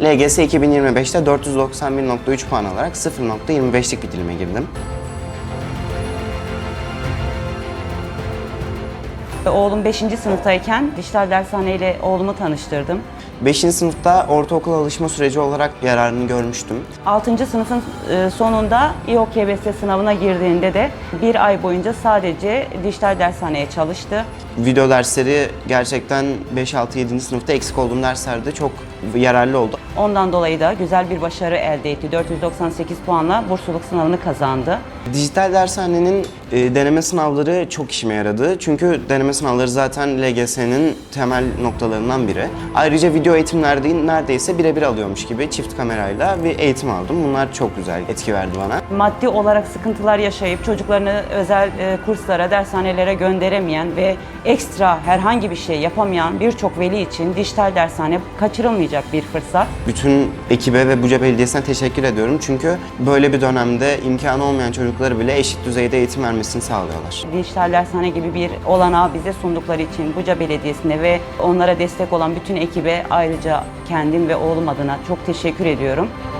LGS 2025'te 491.3 puan alarak 0.25'lik bir dilime girdim. Oğlum 5. sınıftayken dijital dershane ile oğlumu tanıştırdım. 5. sınıfta ortaokul alışma süreci olarak yararını görmüştüm. 6. sınıfın sonunda İOKBS sınavına girdiğinde de bir ay boyunca sadece dijital dershaneye çalıştı. Video dersleri gerçekten 5, 6, 7. sınıfta eksik olduğum derslerde çok yararlı oldu. Ondan dolayı da güzel bir başarı elde etti. 498 puanla bursluluk sınavını kazandı. Dijital dershanenin deneme sınavları çok işime yaradı. Çünkü deneme sınavları zaten LGS'nin temel noktalarından biri. Ayrıca video eğitimlerde neredeyse birebir alıyormuş gibi çift kamerayla bir eğitim aldım. Bunlar çok güzel etki verdi bana. Maddi olarak sıkıntılar yaşayıp çocuklarını özel kurslara, dershanelere gönderemeyen ve ekstra herhangi bir şey yapamayan birçok veli için dijital dershane kaçırılmayacak bir fırsat. Bütün ekibe ve Buca Belediyesi'ne teşekkür ediyorum. Çünkü böyle bir dönemde imkanı olmayan çocukları bile eşit düzeyde eğitim vermesini sağlıyorlar. Dijital dershane gibi bir olanağı bize sundukları için Buca Belediyesi'ne ve onlara destek olan bütün ekibe ayrıca kendim ve oğlum adına çok teşekkür ediyorum.